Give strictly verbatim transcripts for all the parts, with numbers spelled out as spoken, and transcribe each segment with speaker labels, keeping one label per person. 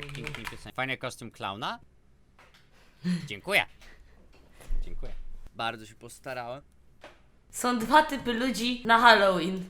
Speaker 1: tak pięknie piosenka. Fajny kostium klauna? Dziękuję. Dziękuję. Bardzo się postarałem.
Speaker 2: Są dwa typy ludzi na Halloween.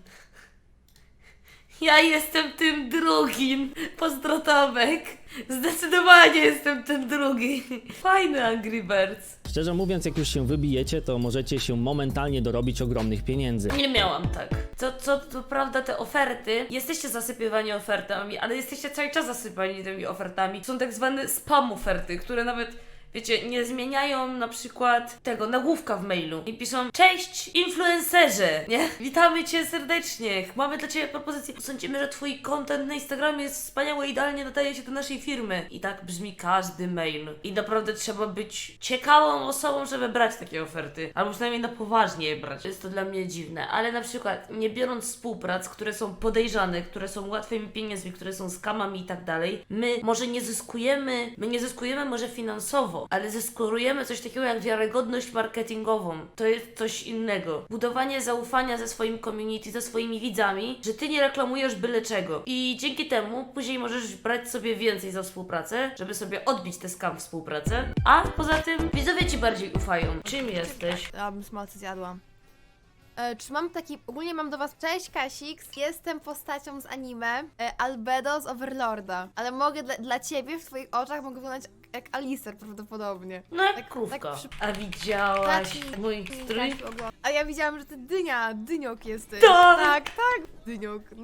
Speaker 2: Ja jestem tym drugim. Pozdro Tomek. Zdecydowanie jestem ten drugi. Fajny Angry Birds.
Speaker 3: Szczerze mówiąc, jak już się wybijecie, to możecie się momentalnie dorobić ogromnych pieniędzy.
Speaker 2: Nie miałam tak. Co, co, to prawda, te oferty, jesteście zasypywani ofertami, ale jesteście cały czas zasypani tymi ofertami. Są tak zwane spam oferty, które nawet, wiecie, nie zmieniają na przykład tego nagłówka w mailu. I piszą: cześć influencerze, nie? Witamy Cię serdecznie, mamy dla Ciebie propozycję. Sądzimy, że Twój content na Instagramie jest wspaniały, idealnie nadaje się do naszej firmy. I tak brzmi każdy mail. I naprawdę trzeba być ciekawą osobą, żeby brać takie oferty. Albo przynajmniej na poważnie je brać. Jest to dla mnie dziwne. Ale na przykład, nie biorąc współprac, które są podejrzane, które są łatwymi pieniędzmi, które są skamami i tak dalej, my może nie zyskujemy, my nie zyskujemy może finansowo, ale zeskorujemy coś takiego jak wiarygodność marketingową. To jest coś innego. Budowanie zaufania ze swoim community, ze swoimi widzami, że ty nie reklamujesz byle czego. I dzięki temu później możesz brać sobie więcej za współpracę, żeby sobie odbić tę skam współpracę. A poza tym widzowie ci bardziej ufają. Czym jesteś?
Speaker 4: Ja bym smalce zjadła. E, czy mam taki... Ogólnie mam do was... Cześć Kasix, jestem postacią z anime e, Albedo z Overlorda. Ale mogę dla, dla ciebie, w twoich oczach mogę wyglądać jak Alistair prawdopodobnie.
Speaker 2: No jak
Speaker 4: Tak-
Speaker 2: krówka.
Speaker 4: tak przy-
Speaker 2: A widziałaś
Speaker 4: Taki-
Speaker 2: mój strój?
Speaker 4: Tak, oglądam. A ja widziałam, że ty dynia, dyniok jesteś.
Speaker 2: Tak!
Speaker 4: Tak, tak, dyniok, no.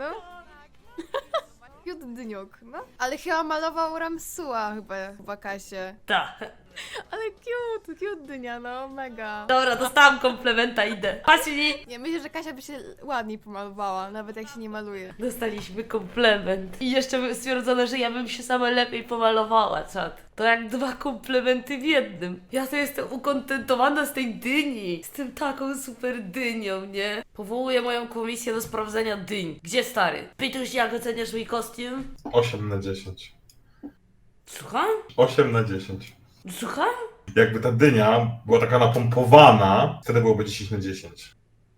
Speaker 4: Cute dyniok, no. Ale chyba malował Ramsua chyba, chyba Kasię.
Speaker 2: Tak.
Speaker 4: Ale cute, cute dynia, no, mega.
Speaker 2: Dobra, dostałam komplementa, idę. Patrzcie,
Speaker 4: Nie, myślę, że Kasia by się ładniej pomalowała, nawet jak się nie maluje.
Speaker 2: dostaliśmy komplement. I jeszcze stwierdzono, że ja bym się sama lepiej pomalowała, czat. To jak dwa komplementy w jednym. Ja to jestem ukontentowana z tej dyni. Jestem taką super dynią, nie? Powołuję moją komisję do sprawdzenia dyń. Gdzie stary? Pytuś, jak oceniasz mój kostium?
Speaker 5: osiem na dziesięć.
Speaker 2: Słucham?
Speaker 5: osiem na dziesięć.
Speaker 2: Słucham?
Speaker 5: Jakby ta dynia była taka napompowana, wtedy byłoby dziesięć na dziesięć.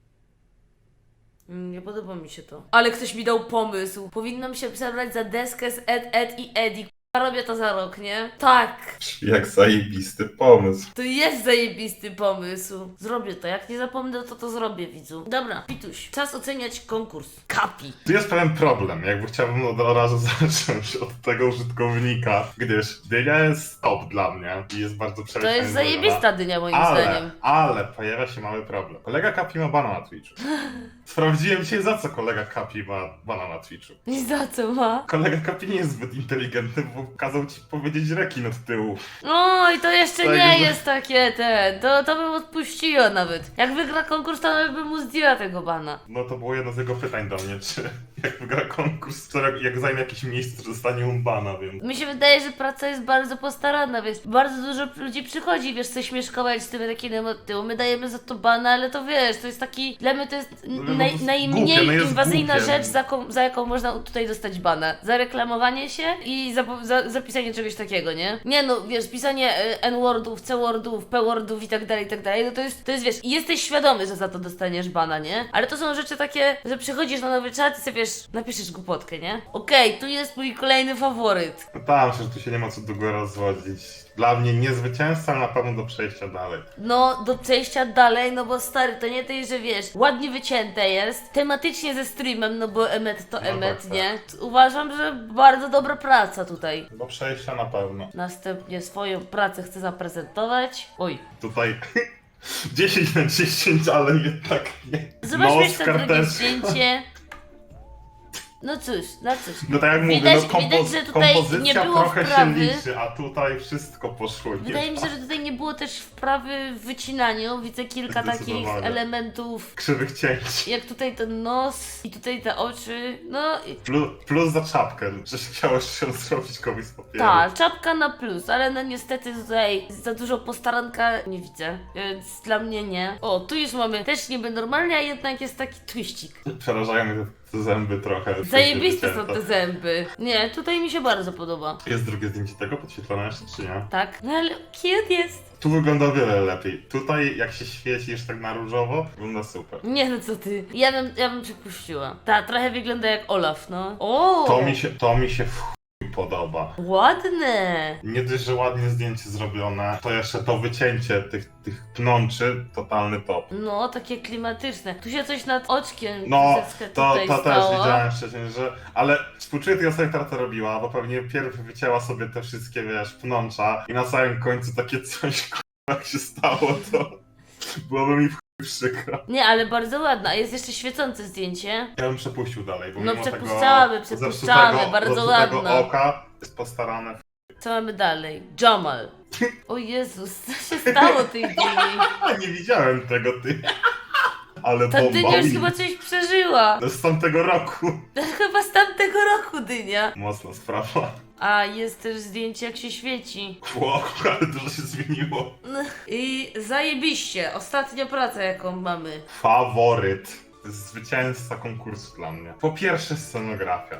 Speaker 2: Mm, Nie podoba mi się to. Ale ktoś mi dał pomysł. Powinnam się przebrać za deskę z Ed, Ed i Eddie. K***a, robię to za rok, nie? Tak.
Speaker 5: Jak zajebisty pomysł.
Speaker 2: To jest zajebisty pomysł. Zrobię to. Jak nie zapomnę, to to zrobię, widzu. Dobra, Pituś. Czas oceniać konkurs. Kapi.
Speaker 5: Tu jest pewien problem, jakby chciałbym od razu zacząć od tego użytkownika, gdyż dynia jest top dla mnie i jest bardzo
Speaker 2: To
Speaker 5: przereklamowana.
Speaker 2: jest zajebista dynia, moim
Speaker 5: ale,
Speaker 2: zdaniem.
Speaker 5: ale pojawia się mały problem. Kolega Kapi ma bana na Twitchu. Sprawdziłem dzisiaj, za co kolega Kapi ma bana na Twitchu.
Speaker 2: I za co ma?
Speaker 5: Kolega Kapi nie jest zbyt inteligentny, bo kazał ci powiedzieć rekin od tyłu.
Speaker 2: Oj, to jeszcze
Speaker 5: Tak,
Speaker 2: nie
Speaker 5: że-
Speaker 2: jest takie ten. To, to bym odpuściła nawet. Jak wygra konkurs, to nawet bym mu zdjęła tego bana.
Speaker 5: No to było jedno z jego pytań do mnie, czy jak wygra konkurs, to jak, jak zajmie jakieś miejsce, to dostanie on bana, więc...
Speaker 2: Mi się wydaje, że praca jest bardzo postarana, wiesz, bardzo dużo ludzi przychodzi, wiesz, coś śmieszkować z tym rekinem od tyłu. My dajemy za to bana, ale to wiesz, to jest taki, dla mnie to jest
Speaker 5: No,
Speaker 2: naj,
Speaker 5: no, to jest
Speaker 2: najmniej
Speaker 5: głupie, no jest
Speaker 2: inwazyjna
Speaker 5: głupie.
Speaker 2: rzecz, za, jaką- za jaką można tutaj dostać bana. Za reklamowanie się i za, za zapisanie czegoś takiego, nie? Nie no, wiesz, pisanie e, N-wordów, C-wordów, P-wordów i tak dalej, i tak dalej, no to jest, to jest, wiesz, i jesteś świadomy, że za to dostaniesz bana, nie? Ale to są rzeczy takie, że przychodzisz na nowy czat i sobie, wiesz, napiszesz głupotkę, nie? Okej, tu jest mój kolejny faworyt.
Speaker 5: Pytałem się, że tu się nie ma co długo rozwodzić. Dla mnie nie zwycięzca, ale na pewno do przejścia dalej.
Speaker 2: No, do przejścia dalej, no bo stary, to nie tej, że wiesz, ładnie wycięte jest, tematycznie ze streamem, no bo Emmet to
Speaker 5: No
Speaker 2: Emmet,
Speaker 5: tak,
Speaker 2: nie? Uważam, że bardzo dobra praca tutaj.
Speaker 5: Do przejścia na pewno.
Speaker 2: Następnie swoją pracę chcę zaprezentować. Oj.
Speaker 5: Tutaj dziesięć na dziesięć, ale jednak nie.
Speaker 2: Zobaczmy
Speaker 5: Nos,
Speaker 2: jeszcze drugie
Speaker 5: karteczka.
Speaker 2: zdjęcie. No cóż, no cóż.
Speaker 5: No tak jak mówię,
Speaker 2: Widać-
Speaker 5: no kompo
Speaker 2: widać, że tutaj
Speaker 5: kompozycja
Speaker 2: nie było
Speaker 5: trochę
Speaker 2: wprawy.
Speaker 5: się liczy, a tutaj wszystko poszło. nie
Speaker 2: Wydaje mi się,
Speaker 5: tak.
Speaker 2: że tutaj nie było też wprawy w wycinaniu. Widzę kilka takich
Speaker 5: Zdecydowanie.
Speaker 2: elementów,
Speaker 5: Krzywych cięć.
Speaker 2: jak tutaj ten nos i tutaj te oczy. No i
Speaker 5: Plus, plus za czapkę, że chciałeś się zrobić komuś z papieru.
Speaker 2: tak, czapka na plus, ale no niestety tutaj za dużo postaranka nie widzę, więc dla mnie nie. O, tu już mamy też niby normalnie, a jednak jest taki twiścik.
Speaker 5: Przerażają mnie te zęby trochę.
Speaker 2: Zajebiste są
Speaker 5: wycięte.
Speaker 2: te zęby. Nie, tutaj mi się bardzo podoba.
Speaker 5: Jest drugie zdjęcie tego podświetlone jeszcze, czy nie?
Speaker 2: Tak? No ale cute jest.
Speaker 5: Tu wygląda o wiele lepiej. Tutaj, jak się świecisz tak na różowo, wygląda super.
Speaker 2: Nie no co ty. Ja bym, ja bym przypuściła. Ta trochę wygląda jak Olaf, no. O!
Speaker 5: To mi się, to mi się w chuj podoba.
Speaker 2: Ładne!
Speaker 5: Nie dość, że ładnie zdjęcie zrobione, to jeszcze to wycięcie tych, tych pnączy, totalny top.
Speaker 2: No, takie klimatyczne. Tu się coś nad oczkiem
Speaker 5: No,
Speaker 2: troszeczkę
Speaker 5: to,
Speaker 2: tutaj
Speaker 5: to też
Speaker 2: stało.
Speaker 5: widziałem wcześniej, że... Ale współczuję tej osobie, która to robiła, bo pewnie pierw wycięła sobie te wszystkie, wiesz, pnącza i na samym końcu takie coś, k***a, jak się stało, to byłoby mi w chuj przykro.
Speaker 2: Nie, ale bardzo ładna. A jest jeszcze świecące zdjęcie.
Speaker 5: Ja bym przepuścił dalej, bo
Speaker 2: No,
Speaker 5: mimo
Speaker 2: przepuszczamy,
Speaker 5: tego
Speaker 2: przepuszczamy,
Speaker 5: zepsutego-
Speaker 2: bardzo
Speaker 5: zepsutego
Speaker 2: ładna.
Speaker 5: oka jest postarane.
Speaker 2: Co mamy dalej? Jamal. O Jezus, co się stało tej dyni?
Speaker 5: A nie widziałem tego, ty. Ale
Speaker 2: Ta dynia już
Speaker 5: bomba
Speaker 2: chyba coś przeżyła.
Speaker 5: No z tamtego roku.
Speaker 2: Chyba z tamtego roku dynia.
Speaker 5: Mocna sprawa.
Speaker 2: A jest też zdjęcie jak się świeci.
Speaker 5: Wow, ale dużo się zmieniło.
Speaker 2: No. I zajebiście. Ostatnia praca jaką mamy.
Speaker 5: Faworyt. To jest zwycięzca konkursu dla mnie. Po pierwsze scenografia.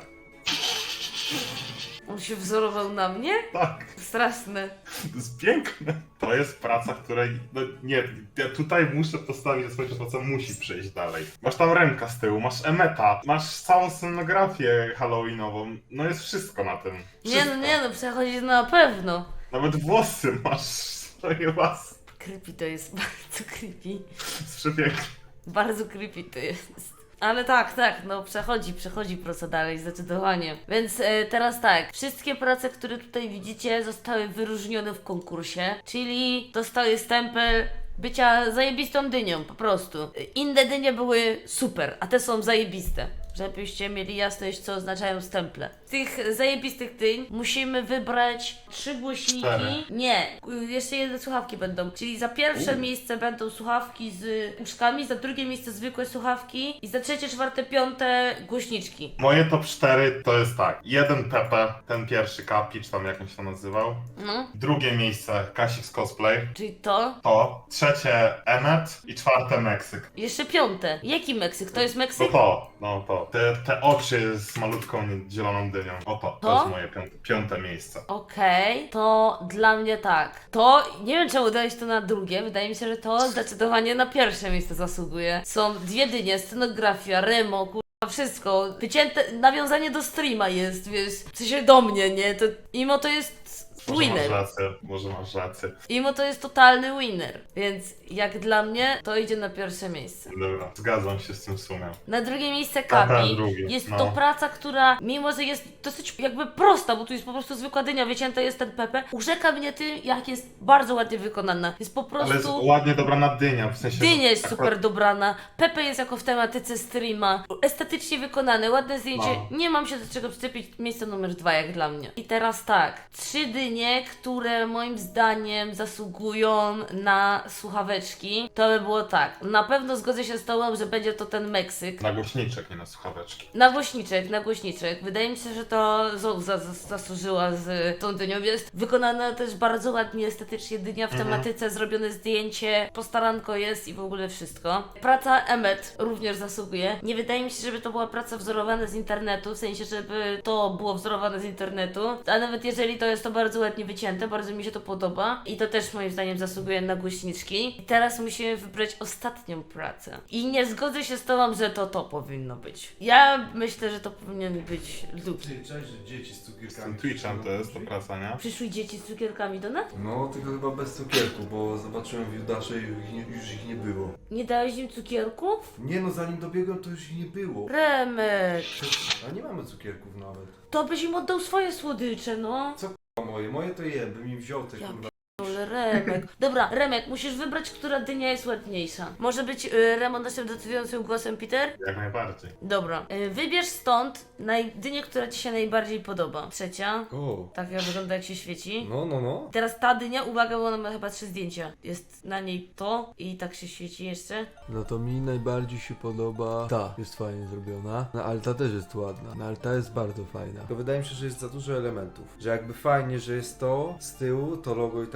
Speaker 2: On się wzorował na mnie?
Speaker 5: Tak,
Speaker 2: Straszne.
Speaker 5: to jest piękne. To jest praca, której, no nie, ja tutaj muszę postawić, że swoja praca musi przejść dalej. Masz tam Remka z tyłu, masz Emeta, masz całą scenografię halloweenową, no jest wszystko na tym.
Speaker 2: Nie
Speaker 5: Wszystko.
Speaker 2: no, nie no, przechodzi na pewno.
Speaker 5: Nawet włosy masz swoje własne.
Speaker 2: Creepy to jest, bardzo creepy.
Speaker 5: To jest przepiękne.
Speaker 2: Bardzo creepy to jest. Ale tak, tak, no przechodzi, przechodzi praca dalej, zdecydowanie. Więc e, teraz tak, wszystkie prace, które tutaj widzicie, zostały wyróżnione w konkursie, czyli dostały stempel bycia zajebistą dynią, po prostu. Inne dynie były super, a te są zajebiste. Żebyście mieli jasność, co oznaczają stemple. Z tych zajebistych dyń musimy wybrać trzy głośniki.
Speaker 5: Cztery.
Speaker 2: Nie, y, jeszcze jedne słuchawki będą. Czyli za pierwsze miejsce będą słuchawki z uszkami, za drugie miejsce zwykłe słuchawki i za trzecie, czwarte, piąte głośniczki.
Speaker 5: Moje top cztery to jest tak. Jeden Pepe, ten pierwszy Kapi, czy tam jak on się to nazywał.
Speaker 2: No,
Speaker 5: Drugie miejsce Kasik z cosplay.
Speaker 2: czyli to.
Speaker 5: To. Trzecie Emmet i czwarte Meksyk.
Speaker 2: Jeszcze piąte. Jaki Meksyk? To jest
Speaker 5: No
Speaker 2: Meksyk?
Speaker 5: to, no to. Te, te oczy z malutką zieloną dynią. O to, to
Speaker 2: To?
Speaker 5: jest moje piąte, piąte miejsce.
Speaker 2: Okej, to dla mnie tak. To, nie wiem czemu dałeś to na drugie, wydaje mi się, że to zdecydowanie na pierwsze miejsce zasługuje. Są dwie dynie, scenografia, remo, kurwa, wszystko. Wycięte, nawiązanie do streama jest, wiesz, w sensie do mnie, nie? To, mimo to jest
Speaker 5: Może masz
Speaker 2: winner.
Speaker 5: rację, może masz rację.
Speaker 2: Mimo to jest totalny winner. Więc jak dla mnie, to idzie na pierwsze miejsce.
Speaker 5: Dobra, zgadzam się z tym w sumie.
Speaker 2: Na drugie miejsce
Speaker 5: Aha,
Speaker 2: Kapi.
Speaker 5: drugi,
Speaker 2: Jest
Speaker 5: no.
Speaker 2: to praca, która mimo, że jest dosyć jakby prosta, bo tu jest po prostu zwykła dynia, wycięta jest ten Pepe, urzeka mnie tym, jak jest bardzo ładnie wykonana. Jest po
Speaker 5: Ale jest
Speaker 2: prostu...
Speaker 5: ładnie dobrana dynia, w sensie...
Speaker 2: Dynia jest
Speaker 5: akurat-
Speaker 2: super dobrana, Pepe jest jako w tematyce streama, estetycznie wykonane, ładne zdjęcie,
Speaker 5: No.
Speaker 2: nie mam się do czego przyczepić, miejsce numer dwa jak dla mnie. I teraz tak, trzy dynie, które moim zdaniem zasługują na słuchaweczki, to by było tak, na pewno zgodzę się z tobą, że będzie to ten Meksyk.
Speaker 5: Na głośniczek, nie na słuchaweczki.
Speaker 2: Na głośniczek, na głośniczek. Wydaje mi się, że to Zouza zas- zasłużyła z tą dynią. Jest wykonana też bardzo ładnie, estetycznie dynia w
Speaker 5: Mhm.
Speaker 2: tematyce, zrobione zdjęcie, postaranko jest i w ogóle wszystko. Praca Emmet również zasługuje. Nie wydaje mi się, żeby to była praca wzorowana z internetu, w sensie, żeby to było wzorowane z internetu, a nawet jeżeli to jest to bardzo ładnie wycięte, bardzo mi się to podoba i to też moim zdaniem zasługuje na głośniczki. I teraz musimy wybrać ostatnią pracę. I nie zgodzę się z tobą, że to to powinno być. Ja myślę, że to powinien być Luki.
Speaker 6: Ty, cześć, że dzieci z cukierkami.
Speaker 5: Z tym Twitchem to jest to praca, nie?
Speaker 2: Przyszły dzieci z cukierkami do nas?
Speaker 6: No, tylko chyba bez cukierku, bo zobaczyłem w Judasze i ich nie, już ich nie było.
Speaker 2: Nie dałeś im cukierków?
Speaker 6: Nie no, zanim dobiegłem, to już ich nie było.
Speaker 2: Remek,
Speaker 6: A nie mamy cukierków nawet.
Speaker 2: to byś im oddał swoje słodycze, no.
Speaker 6: A moje, moje to jem, bym mi wziął te
Speaker 2: Ja
Speaker 6: kurwa.
Speaker 2: Ale Remek. Dobra, Remek, musisz wybrać, która dynia jest ładniejsza. Może być y, Remo naszym decydującym głosem, Peter?
Speaker 5: Jak najbardziej.
Speaker 2: Dobra. Y, wybierz stąd naj... dynię, która ci się najbardziej podoba. Trzecia.
Speaker 6: O,
Speaker 2: Tak jak wygląda, jak się świeci.
Speaker 6: no, no, no.
Speaker 2: Teraz ta dynia, uwaga, bo ona ma chyba trzy zdjęcia. Jest na niej to i tak się świeci jeszcze.
Speaker 7: No to mi najbardziej się podoba ta, jest fajnie zrobiona. No ale ta też jest ładna, no ale ta jest bardzo fajna.
Speaker 6: To wydaje mi się, że jest za dużo elementów. Że jakby fajnie, że jest to z tyłu, to logo i tak dalej, ale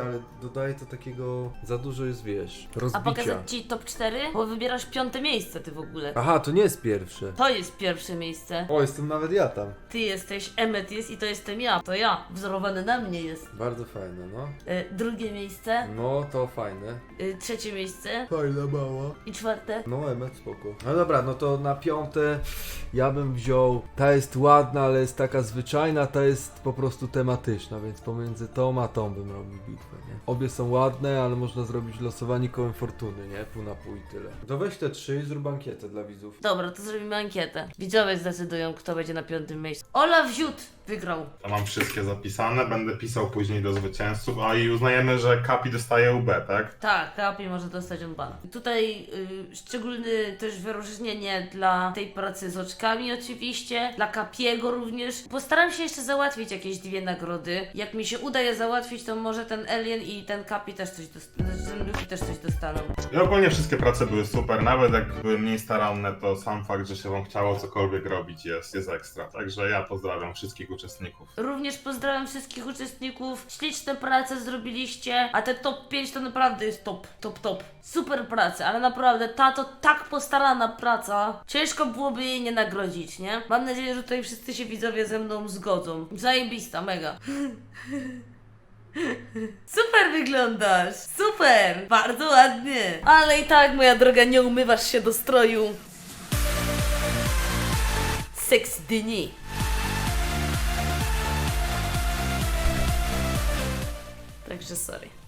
Speaker 7: ale dodaje to takiego... Za dużo jest, wiesz,
Speaker 2: A
Speaker 7: rozbicia.
Speaker 2: pokazać ci top cztery? Bo wybierasz piąte miejsce ty w ogóle.
Speaker 7: Aha, to nie jest pierwsze.
Speaker 2: To jest pierwsze miejsce.
Speaker 7: O, jestem nawet ja tam.
Speaker 2: Ty jesteś, Emmet jest i to jestem ja. To ja. Wzorowany na mnie jest.
Speaker 7: Bardzo fajne, no.
Speaker 2: E, drugie miejsce.
Speaker 7: No, to fajne.
Speaker 2: E, trzecie miejsce.
Speaker 7: Fajna mała.
Speaker 2: I czwarte.
Speaker 7: No, Emmet, spoko. No dobra, no to na piąte ja bym wziął... Ta jest ładna, ale jest taka zwyczajna, ta jest po prostu tematyczna, więc pomiędzy tą a tą bym robił bitwę, nie? Obie są ładne, ale można zrobić losowanie kołem fortuny, nie? Pół na pół i tyle. To weź te trzy i zrób ankietę dla widzów.
Speaker 2: Dobra, to zrobimy ankietę. Widzowie zdecydują, kto będzie na piątym miejscu. Olaf Ziut wygrał.
Speaker 5: Ja mam wszystkie zapisane, będę pisał później do zwycięzców, a i uznajemy, że Kapi dostaje U B, tak?
Speaker 2: Tak, Kapi może dostać unbana. Tutaj y, szczególne też wyróżnienie dla tej pracy z oczkami oczywiście, dla Kapiego również. Postaram się jeszcze załatwić jakieś dwie nagrody. Jak mi się uda je załatwić, to może ten Alien i ten Kapi też coś dostaną. Ten Luffy też coś dostaną.
Speaker 5: I ogólnie wszystkie prace były super, nawet jak były mniej staranne, to sam fakt, że się wam chciało cokolwiek robić jest, jest ekstra. Także ja pozdrawiam wszystkich uczestników.
Speaker 2: Również pozdrawiam wszystkich uczestników. Śliczne prace zrobiliście, a te top pięć to naprawdę jest top, top, top. Super prace, ale naprawdę ta to tak postarana praca. Ciężko byłoby jej nie nagrodzić, nie? Mam nadzieję, że tutaj wszyscy się widzowie ze mną zgodzą. Zajebista, mega. Super wyglądasz! Super! Bardzo ładnie! Ale i tak, moja droga, nie umywasz się do stroju. Seks dni. Także sorry.